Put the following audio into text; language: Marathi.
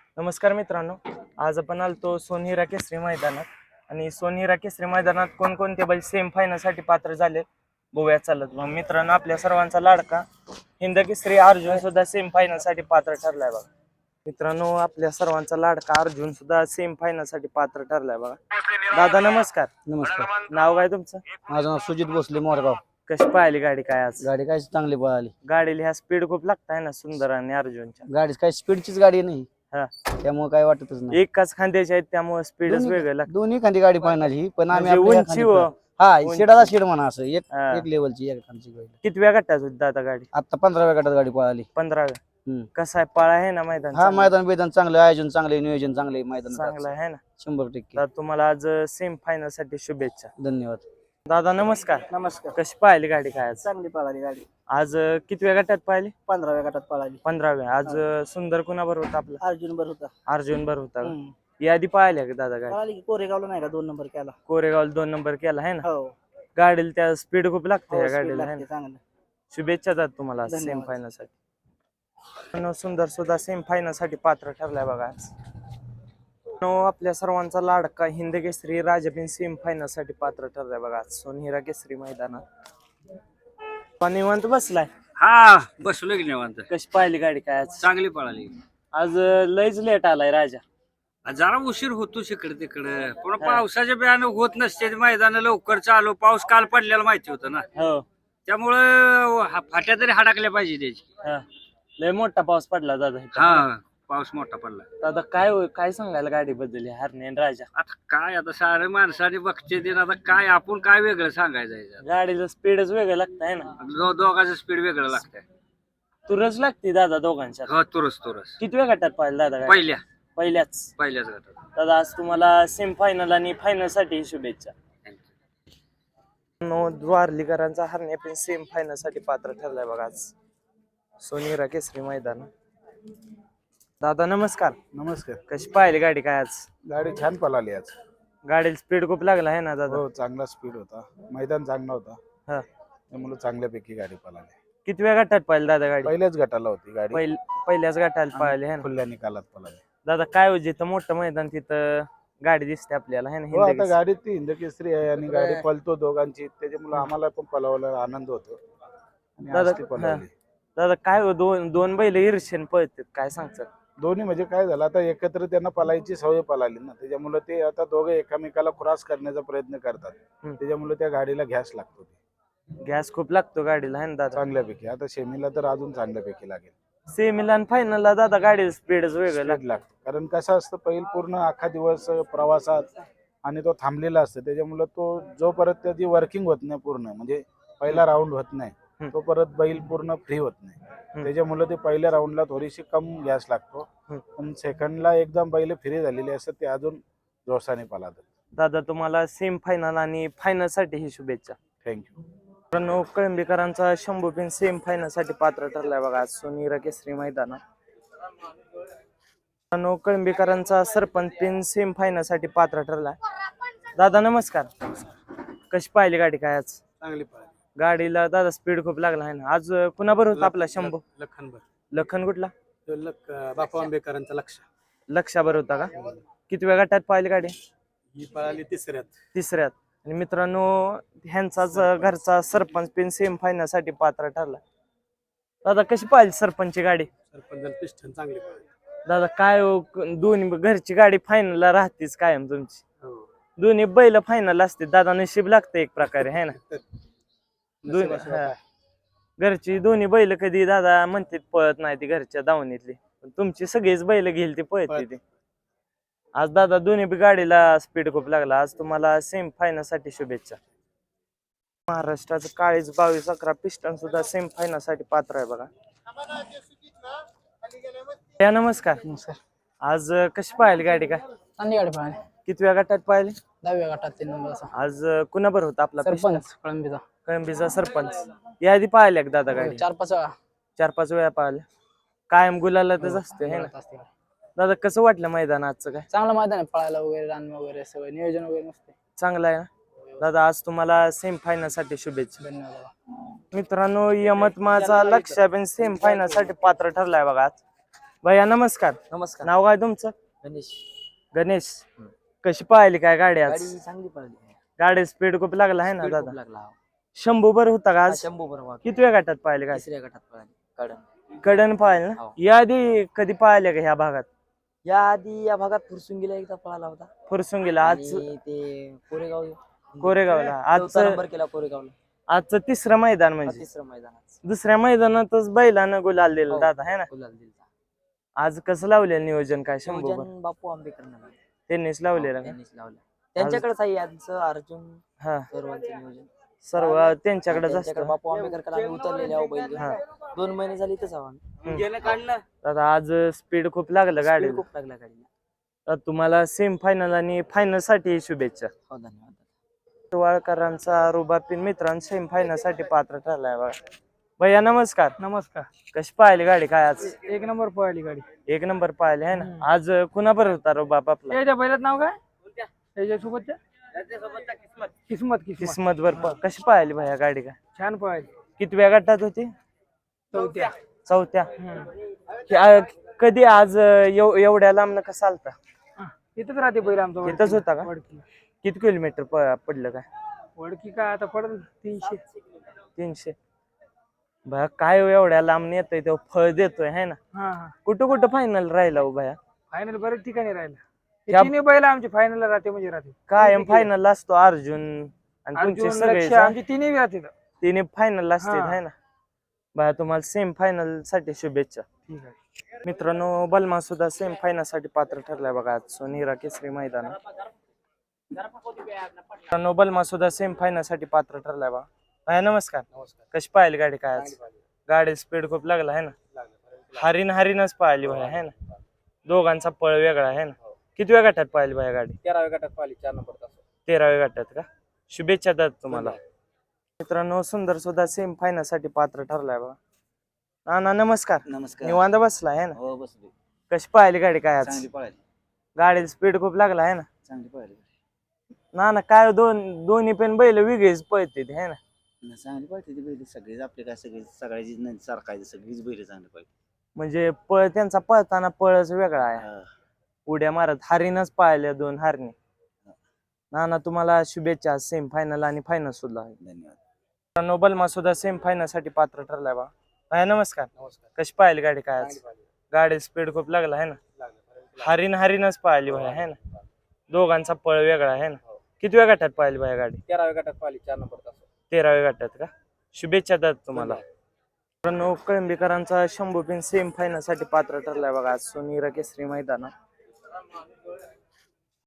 नमस्कार मित्रांनो, आज आपण आलतो सोनहिरा केसरी मैदानात आणि सोनहिरा केसरी मैदानात कोणकोणते बैल सेम फायनलसाठी पात्र झाले बघूया चालत. मग मित्रांनो, आपल्या सर्वांचा लाडका हिंद केसरी अर्जुन सुद्धा सेम फायनलसाठी पात्र ठरलाय बघा. मित्रांनो, आपल्या सर्वांचा लाडका अर्जुन सुद्धा सेम फायनलसाठी पात्र ठरलाय बघा. दादा नमस्कार. नमस्कार. नाव काय तुमचं? माझं नाव सुजित भोसले मोरगाव. कशी पाहिली गाडी काय आज? गाडी काय चांगली पळाली. गाडीला ह्या स्पीड खूप लागताय ना सुंदर आणि अर्जुनच्या. गाडी काय स्पीडचीच गाडी नाही, हा, त्यामुळे काय वाटतच नाही. एकाच खांद्याच्या आहेत त्यामुळे स्पीडच वेगळं लागतं. दोन्ही खांदी गाडी पाहणार ही, पण आम्ही म्हणजे आपल्या उंची खांदी हा शेडाला शेड म्हणा असं एक हा. एक लेवलची एक खांदची गाडी. कितव्या गटात होती दादा गाडी? आता 15व्या गटात गाडी पळाली. 15व्या. कसा आहे, पाळा आहे ना मैदान? हा, मैदान बेदान चांगलं, आयोजन चांगले, नियोजन चांगले, मैदान चांगला आहे ना. 100%. तर तुम्हाला आज सेम फायनल साठी शुभेच्छा. धन्यवाद. दादा नमस्कार. नमस्कार. कशी पाहिली गाडी काय आज? चांगली पळाली गाडी. आज कितव्या गटात पाहिली? 15व्या गटात पळाली. 15व्या. आज सुंदर कुणाबर होता आपला? अर्जुन बर होता. अर्जुन बर होता का? यादी पाहिल्या का दादा गाडी? पळाली की कोरेगावला नाही का 2 नंबर केला. कोरेगाव 2 नंबर केला आहे ना. हो. गाडीला त्या स्पीड खूप लागते हो, या speed गाडीला आहे लागते ना. चांगलं. शुभेच्छा दादा तुम्हाला सेम धन्यवाद. फायनल साठी. सुंदर सुद्धा सेम फायनल साठी पात्र ठरलाय बघा आज. आपल्या सर्वांचा लाडका हिंद केसरी राजाबिन सेम फायनल साठी पात्र ठरलाय बघा आज सोनहिरा केसरी मैदानात. निवांत बसलाय? हा, बसलो की निवांत. कशी पाहिली गाडी काय आज? चांगली पळाली. आज लयच लेट आलाय राजा. जरा उशीर होतो इकडे तिकडे, पण पावसाच्या बियाणं होत नसते मैदान लवकर चालू. पाऊस काल पडलेला माहिती होतं ना, हो. त्यामुळं फाट्या तरी हडकल्या पाहिजे त्याची. हा. लय मोठा पाऊस पडला दादा इथं. हा, पाऊस मोठा पडला. दादा काय सांगायला गाडी बद्दल हरणे आणि राजा? आता काय, आता सारे माणसाने बघते ते, आता काय आपण काय वेगळं सांगायचं याच्यात? गाडीचं स्पीडच वेगळं लागतंय ना. दोघांचं स्पीड वेगळं लागतंय. तुरच लागते दादा दोघांच्या. हो, तुरस कितव्या गटात पाहिलं दादा गाडी? पहिल्याच. पहिल्याच गटात. दादा आज तुम्हाला सेम फायनल आणि फायनल साठी शुभेच्छा. द्वारलीकरांचा हरणे पण सेम फायनल साठी पात्र ठरलाय बघा आज सोनहिरा केसरी मैदान. दादा नमस्कार. नमस्कार. कशी पाहिली गाडी काय आज? गाडी छान पळाली आज. गाडीला स्पीड खूप लागला आहे ना दादा? हो, चांगला स्पीड होता, मैदान चांगला होता, हा. त्यामुळे चांगल्यापैकी गाडी पळाली. कितव्या गटात पाहिली दादा गाडी? पहिल्याच गटाला होती गाडी, पहिल्याच गटाला पाहिली आहे ना. खुल्या निकालात पळाली. दादा काय हो, जिथं मोठं मैदान तिथं गाडी दिसते आपल्याला है ना. हो, आता गाडीत ती हिंद केसरी आहे आणि गाडी पळतो दोघांची, त्याच्यामुळे आम्हाला पण पळवायला आनंद होतो आणि आज ती पळवली. दादा काय हो, दोन बैल ईर्ष्येन पळतात, काय सांगतात? दोन्ही म्हणजे काय झालं, आता एकत्र त्यांना पळायची सवय पळाली ना, त्याच्यामुळे ते आता दोघे एकामेकाला क्रॉस करण्याचा प्रयत्न करतात, त्याच्यामुळे त्या गाडीला घॅस लागतो. गॅस खूप लागतो गाडीला है ना दादा? चांगल्यापैकी. आता सेमीला तर अजून चांगल्यापैकी लागेल. सेमीला आणि फायनलला दादा गाडी स्पीडच वेगळं स्पीड लागतो, कारण कसं असतं, पहिल पूर्ण अख्खा दिवस प्रवासात आणि तो थांबलेला असतो, त्याच्यामुळे तो जो परत त्याची वर्किंग होत नाही पूर्ण, म्हणजे पहिला राऊंड होत नाही, तो परत बैल पूर्ण फ्री होत नाही, त्याच्यामुळे ते पहिल्या राऊंडला थोडीशी कम गॅस लागतो, पण सेकंडला एकदम बैल फ्री झालेले असतात, ते अजून जोशाने पळतात. दादा तुम्हाला सेम फायनल आणि फायनल साठी ही शुभेच्छा. थँक्यू. कळंबीकरांचा शंभू पिन सेम फायनल साठी पात्र ठरलाय बघा आज सोनहिरा केसरी मैदानात. कळंबीकरांचा सरपंच पिन सेम फायनल साठी पात्र ठरलाय. दादा नमस्कार. कशी पाहिली गाडी काय आज? चांगली पळाली. गाडीला दादा स्पीड खूप लागला आहे ना. आज कुणाबर होता आपला शंभू? लखन कुठला? बापा आंबेकरांचा लक्षाबर होता का? कितव्या गटात पाहिली गाडी? ही पळाली तिसऱ्यात. आणि मित्रांनो, ह्यांचाच घरचा सरपंच पिन सेम फायनल साठी पात्र ठरला. दादा कशी पाहिली सरपंचची गाडी? पिस्टन चांगली पळाली. दादा काय हो, दोन्ही घरची गाडी फायनलला राहतेच कायम तुमची. दोन्ही बैल फायनल असते दादा, नशीब लागते एक प्रकारे है ना. घरची दोन्ही बैल कधी दादा म्हणते पळत नाही ती घरच्या दावणीतली, तुमची सगळीच बैल घेईल ती पळते ती. आज दादा दोन्ही बी गाडीला स्पीड खूप लागला. आज तुम्हाला सेम फायनल साठी शुभेच्छा. महाराष्ट्राचं काळीज 22-11 पिस्टन सुद्धा सेम फायनल साठी पात्र आहे बघा. या नमस्कार. आज कशी पाहिली गाडी काय? चांगली गाडी पळाली. कितव्या गटात पाहिली? 10व्या गटात 3 नंबर असा. आज कुणाबर होता आपला? सरपंच कळंबीचा. कळंबीचा सरपंच. याआधी पाहिल्या का दादा गाडी? 4-5 वेळा. 4-5 वेळा पाहिल्या. कायम गुलालातच असते है ना. दादा कसं वाटलं मैदान आजचं काय? चांगलं मैदान आहे, पळायला वगैरे, रान वगैरे सगळं नियोजन वगैरे मस्त. चांगलं आहे ना दादा. आज तुम्हाला सेम फायनल साठी शुभेच्छा. धन्यवाद. मित्रांनो, यमतमाळचा लक्ष्याबीन सेम फायनल साठी पात्र ठरलाय बघा आज. भैया नमस्कार. नमस्कार. नाव काय तुमचं? गणेश. गणेश. कशी पाहिली काय गाडी आज? गाडी चांगली पळाली. गाडी स्पीड खूप लागला आहे ना Speed दादा? खूप लागला. शंभू बर होता का आज? शंभू बरोबर कितव्या गटात पाहिले काय? तिसऱ्या गटात पळाली. कडन. कडन पाहिले ना? हो. याआधी कधी पाहिले का ह्या भागात? या आधी या भागात फुरसुंगीला एकदा पळाला होता. फुरसुंगीला आज आणि ते कोरेगाव कोरेगावला चौथा आज नंबर केला कोरेगावला. आजचं तिसरं मैदान हा म्हणजे तिसरं मैदानात दुसऱ्या मैदानात बैलानं गुलाल दिला हो. दादा है ना? गुलाल दिलता. आज कसं लावलेलं नियोजन काय शंभू नियोजन बापू आंबेकर त्यांनीच लावलेलं का? त्यांनीच लावलं. त्यांच्याकडेच आहे यांचं अर्जुन हा सर्वांचं नियोजन सर्व त्यांच्याकडेच त्यांच्याकडे असतं. बापू आंबेकर आम्ही उतरलेले आहो बैल घेऊन. 2 महिने झाले इथंच आहो आम्ही. दादा आज स्पीड खूप लागलं Speed गाडीला. खूप लागला गाडीला. तर तुम्हाला सेम फायनल आणि फायनल साठी शुभेच्छा. हो धन्यवाद. वाळकरांचा रुबाबीन मित्रांनो सेम फायनल साठी पात्र ठरलाय बघा. भैया नमस्कार. नमस्कार. कशी पाहिली गाडी काय आज? एक नंबर पळाली गाडी. एक नंबर पाहिले आहे ना. आज कुणाबर होता रुबाब आपला? त्याच्या बैलात नाव काय? त्याच्यासोबतच्या किस्मत. किस्मत बर कशी पाहिली भैया गाडी का? छान पळाली. कितव्या गटात होती? चौथ्या. चौथ्या. कधी आज एवढ्या लांब कसं आलता? इथंच राहते बैल आमचा. इथंच होता का? वडकी. किती किलोमीटर पडलं काय? वडकी काय आता पडेल 300. 300. भया काय एवढ्या लांब येतोय तो फळ देतोय है ना? हा हा. कुठं कुठं फायनल राहिला हो भया? फायनल बरेच ठिकाणी राहिला. त्या- तिन्ही बैल आमची फायनलला राहते म्हणजे राहते. कायम फायनल असतो अर्जुन आणि तुमचे अर्जुन, सगळे लक्ष्य आमची तिन्ही राहते. तिने फायनल असते हा. है ना? भया तुम्हाला सेम फायनल साठी शुभेच्छा. ठीक आहे. मित्रांनो बलमा सुद्धा सेम फायनल साठी पात्र ठरलाय बघा आज सोनीरा केसरी मैदान. मित्रांनो बलमा सुद्धा सेम फायनल साठी पात्र ठरलाय बघा. भया नमस्कार. कशी पाहिली गाडी काय आज? गाडी स्पीड खूप लागला है ना? हरीनच पाहिली भाया है ना? दोघांचा पळ वेगळा आहे ना? कितव्या गटात पाहिली भाया गाडी? 13व्या गटात पळाली 4 नंबर तास. 13व्या गटात का? शुभेच्छा दादा तुम्हाला. मित्रांनो सुंदर सुद्धा सेम फायनल साठी पात्र ठरलाय बघा. नाना नमस्कार. नमस्कार. निवांत बसला आहे ना? हो बसलो. कशी पाहिली गाडी काय आज? चांगली पळाली. गाडीला स्पीड खूप लागला आहे ना? चांगली पळाली. ना काय दोन्ही पण बैल वेगळीच पळते है ना? चांगली पळते ती बैल सगळीच आपले काय सगळ्याची सारखायची सगळीच बैल चांगली पळते. म्हणजे पळ त्यांचा पळताना पळच वेगळा आहे. उड्या मारत हरीनच पाहिल्या 2 हरणी. नाना तुम्हाला शुभेच्छा सेम फायनल आणि फायनल सुद्धा आहे. धन्यवाद. नोबलमा सुद्धा सेम फायनल साठी पात्र ठरलाय बा. भाया नमस्कार. नमस्कार. कशी पाहिली गाडी काय आज? चांगली पळाली. गाडी स्पीड खूप लागला आहे ना? लागलं. हरीनच पाहिली भाया है ना? दोघांचा पळ वेगळा आहे ना? कितव्या गटात पाहिली भाया गाडी? 13व्या गटात पळाली 4 नंबर तास. 13व्या गटात का? शुभेच्छा दादा तुम्हाला. मित्रांनो कळंबीकरांचा शंभू पिन सेम फायनल साठी पात्र ठरलाय बघा आज सोनीरा केसरी मैदानात.